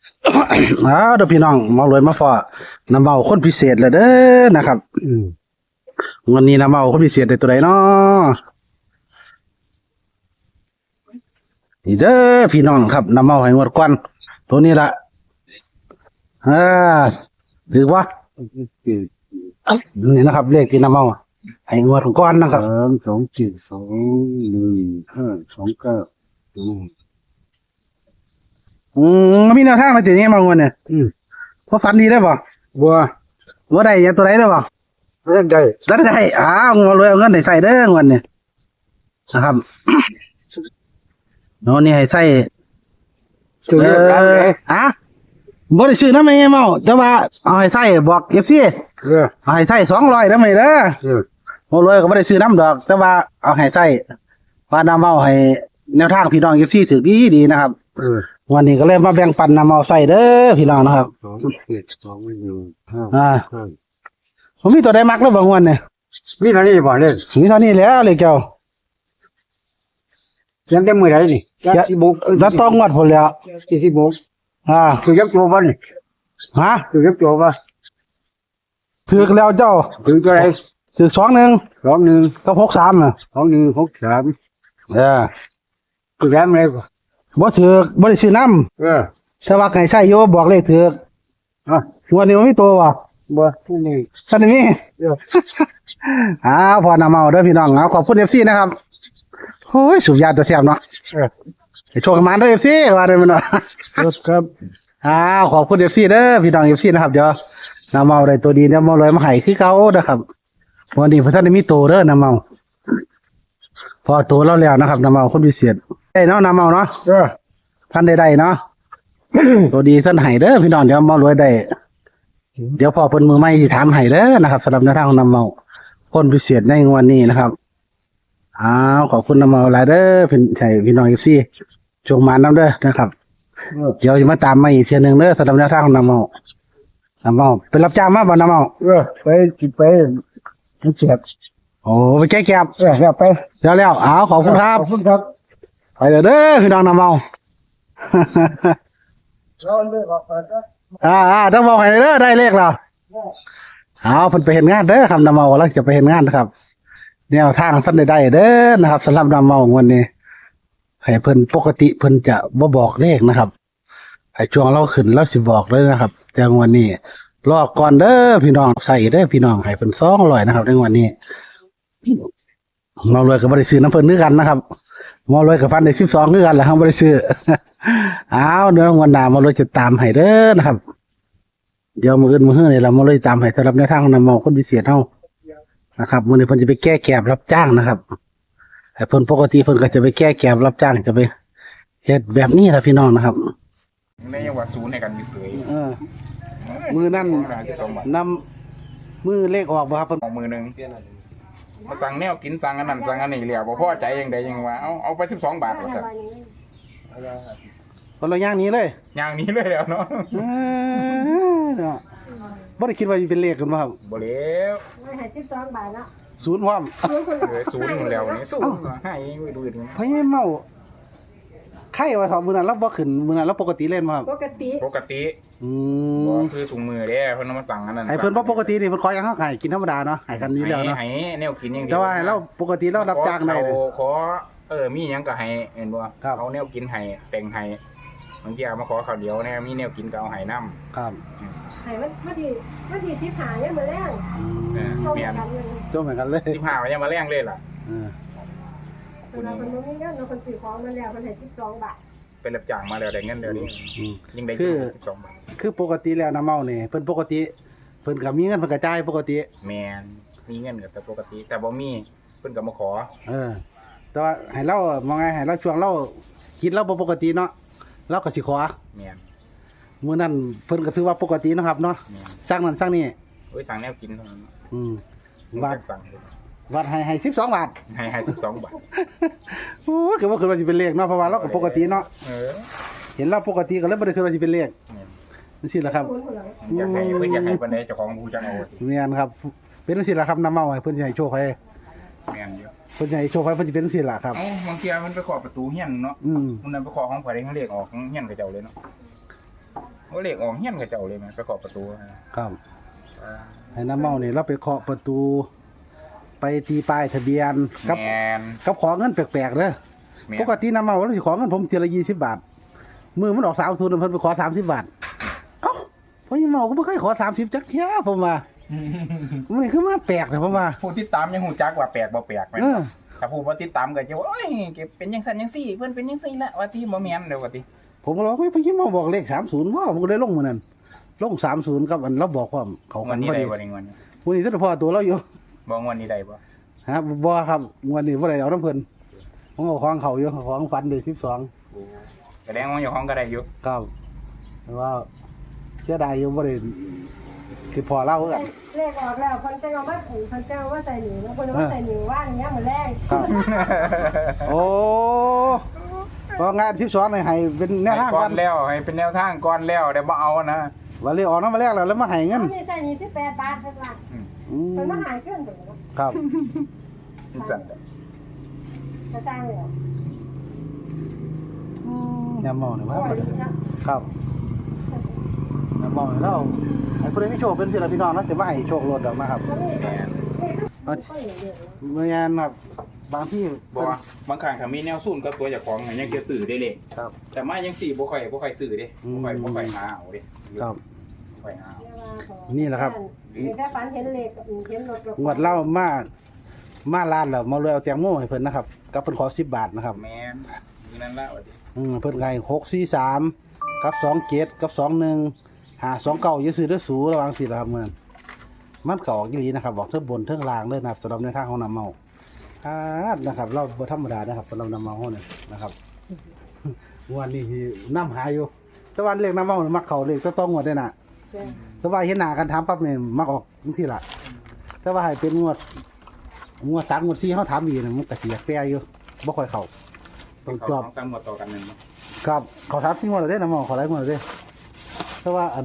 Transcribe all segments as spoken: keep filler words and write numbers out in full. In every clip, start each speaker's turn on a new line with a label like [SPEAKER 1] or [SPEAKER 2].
[SPEAKER 1] อ้าวเด้อพี่น้องมาเลยมาพอน้ำเมาคนพิเศษเลยเด้อนะครับอืมวันนี้น้ำเมาคนพิเศษได้ตัวใดเนาะนี่เด้อพี่น้องครับน้ำเมาให้งวดก่อนตัวนี้ละอ่าถือว่านี่นะครับเลขที่น้ำเมาให้งวดก่อนนะครับ
[SPEAKER 2] สามสองเจ็ดสองหนึ่งห้าสองเก้าอืม
[SPEAKER 1] อืมมีแนวทางอะไรตีนี้มางวดเนี่ย
[SPEAKER 2] อืม
[SPEAKER 1] พอฝันดีได้ป่ะ
[SPEAKER 2] บัว
[SPEAKER 1] ว่าได้ยังตัวไหนได้ป่ะ
[SPEAKER 2] เล่นได้
[SPEAKER 1] ได้ได้อ้าวงวดรวยเอาเงินให้ใส่เด้องวดเนี่ยนะครับ โน่นนี่ให้ใส่
[SPEAKER 2] จุดเดียวกันเลย
[SPEAKER 1] อ่ะบ่ได้ซื้อน้ำไม่เมาแต่ว่าเอาให้ใส่บอกเอฟซี
[SPEAKER 2] เออ
[SPEAKER 1] เอาให้ใส่สองร้อยได้ไหมเด้อ
[SPEAKER 2] เออ
[SPEAKER 1] โมรวยก็บ่ได้ซื้อน้ำดอก แต่ว่าเอาให้ใส่ว่าน้ำเมาให้แนวทางพี่น้องเอฟซีถือดีดีนะครับ
[SPEAKER 2] เออ
[SPEAKER 1] วันนี้ก็เลยมาแบ่งปันน้ำเมาใส่เด้อพี่น้องนะครับ
[SPEAKER 2] สองเจ็ดสองหนึ่งห้า
[SPEAKER 1] อ่า
[SPEAKER 2] ห้า
[SPEAKER 1] ผมมีตัวใดมักแล้วบางวันเนี่ย
[SPEAKER 2] มีเท่านี้บ่เล่น
[SPEAKER 1] มีเท่านี้แล้วเลยเจ้า
[SPEAKER 2] ยังได้มือไหนนี่ยักสิบก
[SPEAKER 1] แล้วต้องงวดผลแล้ว
[SPEAKER 2] สี่สิบก
[SPEAKER 1] อ่า
[SPEAKER 2] คือยักตัวบ่นี่
[SPEAKER 1] ฮะ
[SPEAKER 2] คือยักตัวบ่
[SPEAKER 1] ถือแล้วเจ้า
[SPEAKER 2] คือตัวไหน
[SPEAKER 1] ถือสองหนึ่ง
[SPEAKER 2] สองหนึ่ง
[SPEAKER 1] ก็พกสามน่ะ
[SPEAKER 2] สองหนึ่งหกสาม
[SPEAKER 1] เออ
[SPEAKER 2] คือแรมอะไรบ่
[SPEAKER 1] บ่ถือบ่ได้ซื้อน้
[SPEAKER 2] เออ
[SPEAKER 1] ำแต่ว่าไก่ใส่โยบอกเลขถือ
[SPEAKER 2] อ่ะ
[SPEAKER 1] วันนี้มันมีตัวว่ะ
[SPEAKER 2] บัวนี่
[SPEAKER 1] ท่านนี้
[SPEAKER 2] เออ
[SPEAKER 1] อ้าวพอนำเมาเด้อพี่น้องเอาขอบคุณเอฟซีนะครับโอ้ยสุบยาตัวแซ่บเนาะ
[SPEAKER 2] เออ
[SPEAKER 1] ให้โชคกันมาเด้อเอฟซีว่าได้มันเนาะ
[SPEAKER 2] ครับครับ
[SPEAKER 1] อ้าวขอบคุณเอฟซีเด้อพี่น้องเอฟซีนะครับเดี๋ยวนำเมาได้ตัวดีเดี๋ยวเมาเลยมาให้คือเก่านะครับวันนี้พระท่านได้มีตัวเด้อนำเมาพอตัวเราแล้วนะครับนำเมาคนพิเศษได้เนาะนำเมาเนาะ
[SPEAKER 2] เออ
[SPEAKER 1] ท่านได้ได้เนาะ ตัวดีท่านให้เด้อพี่น้องเดี๋ยวเมารวยได้เดี๋ยวพอเพิ่นมือใหม่ที่ถามให้เด้อนะครับสำหรับแนวทางของนำเมาคนพิเศษในวันนี้นะครับอ้าวขอบคุณนำเมาหลายเด้อพี่ใช่พี่น้องเอฟซีจงมาน้ำเด้อนะครับ
[SPEAKER 2] เออ
[SPEAKER 1] เดี๋ยวจะมาตามมาอีกเทียหนึงเด้อสำหรับแนวทางของนำเมานำเมาเป็นรับจ้างมาบ่นำเมา
[SPEAKER 2] เออไปสิไปมันเจ็บ
[SPEAKER 1] โอ้ไปแก้แก็บ
[SPEAKER 2] เออแล้วไป
[SPEAKER 1] แล้วแล้วอ้าวขอบคุณครับ
[SPEAKER 2] ขอบคุณครับ
[SPEAKER 1] ไปเด้อเด้อพี่น้องนำเมา
[SPEAKER 2] ร้อนด้วยบอกเปิดนะ
[SPEAKER 1] อ่าอ่าต้องบอกให้เด้อได้เลขแล้วเอาเพิ่นไปเห็นงานเด้อครับนำเมาแล้วจะไปเห็นงานนะครับแนวทางสั้นได้ได้เด้อนะครับสำหรับนำเมาวันนี้ให้เพิ่นปกติเพิ่นจะบ่บอกเลขนะครับให้ช่วงเราขึ้นเราสิบอกเลยนะครับ แต่วันนี้รอก่อนเด้อพี่น้องใส่เด้อพี่น้องให้เพิ่นสองร้อยนะครับในวันนี้เมารวยก็บ่ได้ซื้อน้ำเพิ่นคือกันนะครับเมารวยกับฟันได้สิบสองคือกันแหละครับบ่ได้ซื้อ เอาเดี๋ยววันหน้าเมารวยจะตามให้เด้อนะครับ เดี๋ยวมื้ออื่นมื้อฮื้อนี่เราเมารวยตามให้สำหรับแนวทางของนำเมาคนพิเศษเฮานะครับมื้อนี้เพิ่นจะไปแก้แกบรับจ้างนะครับแต่เพิ่นปกติเพิ่นก็จะไปแก้แกบรับจ้างจะไปเฮ็ดแบบนี้ล่ะพี่น้องนะครับ
[SPEAKER 3] ในยังว่าศูนย์ในการอยู่เสย
[SPEAKER 1] เออมือนั่น
[SPEAKER 3] หาที่สองบาท
[SPEAKER 1] นำมือเลขออกบ่ครับเพิ่น
[SPEAKER 3] ของมือหนึ่งมาสั่งแนวกินสั่งอันนั้นสั่งอันนี้เหลียวบ่พอใจยังใดยังว่าเอาเอาไปสิบสองบาทว่าสั่น
[SPEAKER 1] คนละอย่างนี้เลย
[SPEAKER 3] อย่างนี้เลยแล้วเนาะ
[SPEAKER 1] เออเนาะบ่ได้คิดว่าสิเป็นเลขกันบ่ครับ
[SPEAKER 3] บ่แล้ว
[SPEAKER 4] ไม่ให้สิบสองบาทเนาะ
[SPEAKER 1] ศูนย์พร้อม
[SPEAKER 3] เหลือศูนย์หมดแล้วนี่ศูนย์ให้ไม่ดูดิ
[SPEAKER 1] พะเยเมาไข้ว่าครับมื้อนั้นเราบ่ขึ้นมื้อนั้นเราปกติเล่นบ่ครับ
[SPEAKER 4] ปกติ
[SPEAKER 3] ปกติ
[SPEAKER 1] อื
[SPEAKER 3] บ่
[SPEAKER 1] ม
[SPEAKER 3] คือถุงมือเด้เพิ่นเอามาสั่งอันนั้น
[SPEAKER 1] ไอ้เพิ่นบ่ปกตินี่เพิ่นขออย่างเฮาให้กินธรรมดาเนาะให้กันอยู่แล้วเนาะ
[SPEAKER 3] ให้แนวกินอย่างเดียว
[SPEAKER 1] แต่ว่าให้เราปกติเรารับจ้างได้
[SPEAKER 3] ข
[SPEAKER 1] เลย
[SPEAKER 3] อขอเออมีหยังก็ให้เห็นบ่
[SPEAKER 1] ครับ
[SPEAKER 3] เอาแนวกินให้แต่งให้บางทีเอามาขอข้าวเดียวแน่มีแนวกินก็เอาให้นำ
[SPEAKER 1] ครับ
[SPEAKER 4] ให้มันมาทีมาทีสิบหาเนี่ยเหมือนแรง
[SPEAKER 3] เออ
[SPEAKER 4] เข้า
[SPEAKER 3] เมียน
[SPEAKER 4] กันเลย
[SPEAKER 1] จบเหมือนกันเลย
[SPEAKER 3] สิบห้าวันยังมาแรงเลยล่ะ
[SPEAKER 1] เออ
[SPEAKER 4] เวลาคนนู้นนี่เงินเราคนซื้อของมันแล้วมันให้สิบสองบาท
[SPEAKER 3] เป็นรับจ้างมาแล้วได้เงินเดี๋ยวนี้
[SPEAKER 1] อืม
[SPEAKER 3] ยิ่งได้
[SPEAKER 1] คือ
[SPEAKER 3] สิบสองบาท
[SPEAKER 1] คือปกติแล้วน้ำเมานี่เพิ่นปกติเพิ่นก็มีเงินเพิ่นก็จ่ายปกติ
[SPEAKER 3] แมนมีเงินกับแต่ปกติ แต่บ่มีเพิ่นก็มาขอ
[SPEAKER 1] เออ แต่ว่าให้เรามองไงให้เราช่วงเราคิดเราบ่ปกติเนาะเราก็สิขอ
[SPEAKER 3] แมน
[SPEAKER 1] มื้อนั้นเพิ่นก็ถือว่าปกติเนาะครับเนาะ
[SPEAKER 3] แมน
[SPEAKER 1] สร้างนั้นสร้างนี้
[SPEAKER 3] โอ้ยสั่งแนวกินเท่านั้น
[SPEAKER 1] อืม
[SPEAKER 3] มึง
[SPEAKER 1] บาท
[SPEAKER 3] จะสั่งเลย
[SPEAKER 1] บาทให้ให้สิบสองบาท
[SPEAKER 3] ให้ให้สิบสองบาท
[SPEAKER 1] โอ้คือว่าคือว่าสิเป็นเลขเนาะเพราะว่าเราก็ปกติเนาะ
[SPEAKER 3] เออ
[SPEAKER 1] เห็นเราปกติก็เลยบ่ได้คือว่าสิเป็นเลข
[SPEAKER 3] แม่น
[SPEAKER 1] จังซี่ล่ะครับ
[SPEAKER 4] คุณคนละ
[SPEAKER 3] อยากให้เพิ่นอยากให้ปานใดเจ้าของผู้จังเอาสิ
[SPEAKER 1] แม่นครับเป็นจังซี่ล่ะครับน้ำเมาให้เพิ่นสิให้โชคให้
[SPEAKER 3] แม่นอยู่
[SPEAKER 1] เพิ่นสิให้โชคให้เพิ่นสิเป็นจังซี่ล่ะครับ
[SPEAKER 3] เอ้าบางเทีมันไปขอประตูเฮียนเนาะ
[SPEAKER 1] อืม
[SPEAKER 3] มันนั้นไปขอของไผได้เขาเรียกออกของเฮียนกับเจ้าเลยเนาะก็เลขออกเฮียนกับเจ้าเลยแม่ไปเคาะประตู
[SPEAKER 1] ครับ
[SPEAKER 3] อ่า
[SPEAKER 1] ให้น้ำเมานี่เราไปเคาะประตู ไปตีป้ายทะเบียนกับ
[SPEAKER 3] แม่น
[SPEAKER 1] กับขอเงินแปลกๆเด้อ
[SPEAKER 3] แม่น
[SPEAKER 1] ปกติน้ำเมาเราสิขอเงินผมทีละยี่สิบบาทมือมันออกสามศูนย์เพิ่นไปขอสามสิบบาทเอ้าเพราะยี่เมาก็ไม่เคยขอสามสิบจักเที่ยผมว่ามันนี่คือมาแปลกเลยผมว่า
[SPEAKER 3] ผู้ติดตามยังหูจักว่าแปลกบ่แปลกแม่น
[SPEAKER 1] เออ
[SPEAKER 3] ถ้าผู้บ่ติดตามก็จะว่าโอ้ยเก็บเป็นจังซั่นจังซี่เพิ่นเป็นจังซี่ละว่าที่บ่แม่นเด้อว่าติ
[SPEAKER 1] ผมก็เลยว่าเฮ้ยพี่ยี่เมาบอกเลขสามศูนย์ว่าผมก็เลยลงมือนั้นลงสามศูนย์กับอันเราบอกว่าเขา
[SPEAKER 3] ง
[SPEAKER 1] กั
[SPEAKER 3] วัน
[SPEAKER 1] น
[SPEAKER 3] นี้
[SPEAKER 1] พอ
[SPEAKER 3] ได้
[SPEAKER 1] ดี
[SPEAKER 3] บ่ได้งวันนี้
[SPEAKER 1] วันนี้ก็พอตัวเราอยู่
[SPEAKER 3] บ่งวันนี้ได้บ่
[SPEAKER 1] ฮะบ่ครับวันนี้บ่ได้เอาน้ำเพิ่นผมเอาของเขาอยู่ของฟันเลยสิบสอง
[SPEAKER 3] แสดงว่าเจ้าของก็ได้อยู่
[SPEAKER 1] ครับแต่ว่าเสียดายอยู่บ่ได้คือพอเล่าคือกัน
[SPEAKER 4] เลขออกแล้วคนจะเอามาผูกคนจะเอามาใส่หนีแล้วคนเอามาใส่หนีว่าอย่างเงี้ยเหมือนแรก
[SPEAKER 1] ครับ โอ้พองานสิบสองนี่ให้เป็นแนวทาง
[SPEAKER 3] ก่
[SPEAKER 1] ก่
[SPEAKER 3] อ
[SPEAKER 1] อน น
[SPEAKER 3] แล้วให้เป็นแนวทางก่อนแล้วเดี๋ยวบ่เอานะ
[SPEAKER 1] ว่าเรียกออกนำมาแรกแล้วแล้วมาให้เงิน
[SPEAKER 4] เขามีใส่หนีสิบแปดบาทเท่าไหร่
[SPEAKER 3] อืม
[SPEAKER 1] อืม
[SPEAKER 4] มันมาหายขึ้นถึง
[SPEAKER 1] ครับ
[SPEAKER 3] จังซั่นเด้อ
[SPEAKER 4] จะสร้างเลย
[SPEAKER 1] ยามมองนี่
[SPEAKER 4] โอ้
[SPEAKER 1] ว่า
[SPEAKER 4] ดีนะครับ
[SPEAKER 1] ยามมองนี่เราให้ผู้ใดมีโชคเป็นศิลปินน้องเนาะจะมาให้โชครถดอกนะครับ
[SPEAKER 4] แล้วนี่
[SPEAKER 3] แม่น
[SPEAKER 4] นี่ก็อย่างเดียว
[SPEAKER 1] เมื่อยานครับบางที่
[SPEAKER 3] บ่ว่าบางครั้งถ้ามีแนวซุ่นกับตัวเจ้าของยังจะซื้อได้เลย
[SPEAKER 1] ครับ
[SPEAKER 3] แต่มายังสี่บ่ค่อยบ่ค่อยซื้อเด้บ่ค่อยบ่ค่อยหาเอาเด้
[SPEAKER 1] ครับ
[SPEAKER 3] บ่ค่อยหาเอา
[SPEAKER 1] นี่แหละครับ
[SPEAKER 4] มีแค่ฝันเห็นเลขเห็นรถ
[SPEAKER 1] งวดเล่ามามาร้านแล้วมาเลยเอาแตงโมให้เพิ่นนะครับกับเพิ่นขอสิบบาทนะครับ
[SPEAKER 3] แม่นมีนั่นละว่าดิ
[SPEAKER 1] อืมเพิ่นไงหกสี่สามกับสองเจ็ดกับสองหนึ่งหาสองเก้าอย่าซื้อเด้อสูระวังสิล่ะครับเมื่อนมันก็ออกอีหลีนะครับบอกเทิงบนเทิงล่างเลยนะครับสำหรับในทางของน้ำเมาอ่านะครับ เราบ่ธรรมดานะครับสำหรับน้ำเมาเฮานี่นะครับ งวดนี้ที่นำหาอยู่แต่ว่าเลขน้ำเมานี่มักเข้าเลขต้องต้องงวดได้น่ะแต่ว่าเห็นหน้ากันถามปั๊บนี่มักออกจังซี่ล่ะแต่ว่าให้เป็นงวดงวดสามงวดสี่เฮาถามอีกนี่มันก็สิแปลอยู่บ่ค่อยเข้าต้องจอบ
[SPEAKER 3] เขาตามหมดต่อกันนึงเนาะ
[SPEAKER 1] ครับเขาทับทิ้งหมดเลยเด้นะหมอขอไล่หมดเลยเด้เพราะว่าอัน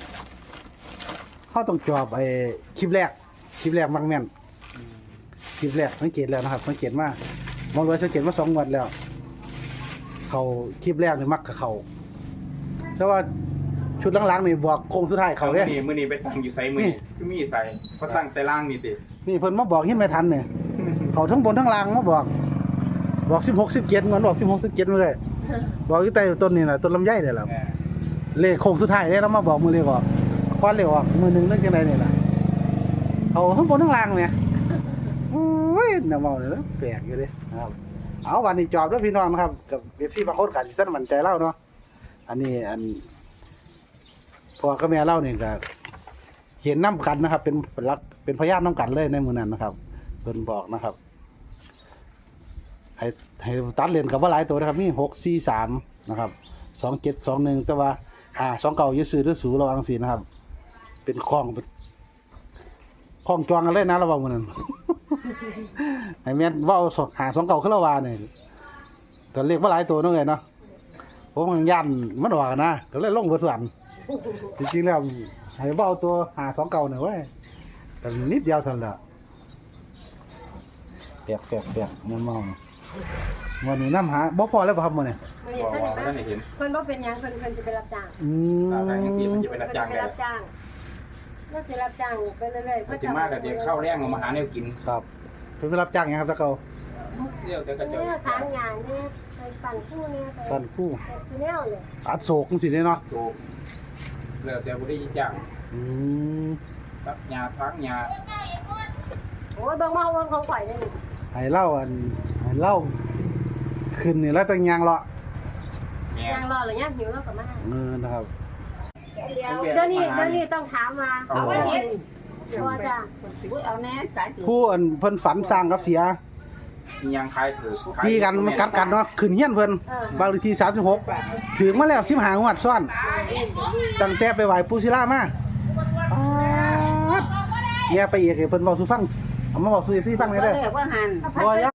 [SPEAKER 1] เขาต้องจอบไอ้คลิปแรกคลิปแรกมักแม่นคลิปแรกสังเกตแล้วนะครับสังเกตมากมองรวยสังเกตมาสองงวันแล้ว เขาคลิปแรกนี่มักกับเขาแต่ว่าชุดหลังๆนี่บอกโค้งสุดท้ายเขาเด้
[SPEAKER 3] มื้อนี้มื้อนี้ไปตั้งอยู่ไสมื้อ
[SPEAKER 1] นี่
[SPEAKER 3] นี้คือมีไสเพราะตั้งแต่ล่างนี่ติ
[SPEAKER 1] นี่เพิ่นมาบอกหินไม่ทันเนี่ยเขาทั้งบนทั้งล่างมาบอก บอกสิบหกสิบเจ็ดเหมือนบอกสิบหกสิบเจ็ดมาเลยบอกอยู่ใต้ต้นนี่แหละต้นลำไยเนี่ยแหละ
[SPEAKER 3] แหม
[SPEAKER 1] เลขโค้งสุดท้ายเนี่ยเรามาบอกมือเลขออกควันเลขออกมือหนึ่งนึกยังไงเนี่ยล่ะเขาทั้งบนทั้งล่างเนี่ยโอ้ยน่าเมาเลยนะแปลกอยู่เลยนะครับเอาวันนี้จอบด้วยพี่น้องนะครับกับเอฟซีบางคนกันสั้นมันใจเล่าเนาะอันนี้อันพ่อกับแม่เล่าเนี่ยก็เห็นน้ำกันนะครับ เป็นรักเป็นพยานน้ำกันเลยในมือนั้นนะครับเพิ่นบอกนะครับให้ให้ตัดเลนกับว่าหลายตัวนะครับมีหกสี่สามนะครับสองเจ็ดสองหนึ่งแต่ว่าหาสองเก่ายืดซื้อหรือสูระวังสีนะครับ เป็นคล้องเป็นคล้องจองกันเลยนะระวังมันนั้น ไอ้แม่นว่าหาสองเก่าขึ้นละวาเนี่ยก็เรียกว่าหลายตัวนั่นไงเนาะผมมันยันมันออกนะก็เลยลงเบอร์ส่วนจริงๆแล้วให้ว่าเอาตัวหาสองเก่าหน่อยเว้ยแต่นิดเดียวเท่านั้นแหละแปลกแปลกแปลกมันมองวันนี้น้ำหาบ่พอแล้วป่ะครับมื้อนี้
[SPEAKER 3] บ่ว่าบ่ทันได้เห็น
[SPEAKER 4] เพิ่นบ่เป็นหยังเพิ่นเพิ่นจะไปรับจ้าง
[SPEAKER 1] อืม
[SPEAKER 3] ถ้าทางจังซี่มันจะไปรับจ้าง
[SPEAKER 4] ไป
[SPEAKER 3] ได้
[SPEAKER 4] รับจ้างแล้วสิรับจ้างไปเรื่อยๆ
[SPEAKER 3] มันสิมาก็สิเข้าแรงเอามาหาแนวกิน
[SPEAKER 1] ครับเพิ่นไปรับจ้างหยังครับตะเกา
[SPEAKER 3] เดี๋ยวจะกระเจ้า
[SPEAKER 4] เนี่ยทางงานเนี่ยไปปั่นคู่เนี่ยไป
[SPEAKER 1] ปั้นคู่
[SPEAKER 4] ทีแนวเนี่ย
[SPEAKER 1] อัดโศกจังซี่เนาะ
[SPEAKER 3] โจกแล้วแต่บ่ได้จ้าง
[SPEAKER 1] อืม
[SPEAKER 3] ตัดหญ้าพักหญ้า
[SPEAKER 4] โอ้ยเบิ่งมาเบิ่งของข่อยนี่
[SPEAKER 1] ให้เล่าอันให้เล่าขึ้นนี่แล้วตั้งยางเลาะ
[SPEAKER 3] แม่
[SPEAKER 4] ยางรอหรือยังหิวแล้วก็มา
[SPEAKER 1] เออนะครับ
[SPEAKER 4] เดี๋ยวเดี๋ยวนี้เดี๋ยวนี้ต้องถามมา
[SPEAKER 1] เอาไว้เฮ็ด
[SPEAKER 4] ตัวจ้ะ
[SPEAKER 5] เอาแน่สายถือ
[SPEAKER 1] ผู้อันเพิ่นฝันสร้างกับเสีย
[SPEAKER 3] มีหยังขายถือขาย
[SPEAKER 1] ตีกันมันกัดกันเนาะขึ้นเฮียนเพิ่นบางเลขที่สามสิบหกถึงมาแล้วสิบห้างวดซ้อนตั้งแต่ไปไหว้ปู่ศิลามาป๊าดเนี่ยไปอีกให้เพิ่นเว้าสู่ฟังเอามาบอกสู่ เอฟ ซี ฟังได้เด้อ
[SPEAKER 5] เรียกว่าหัน
[SPEAKER 1] บ่ย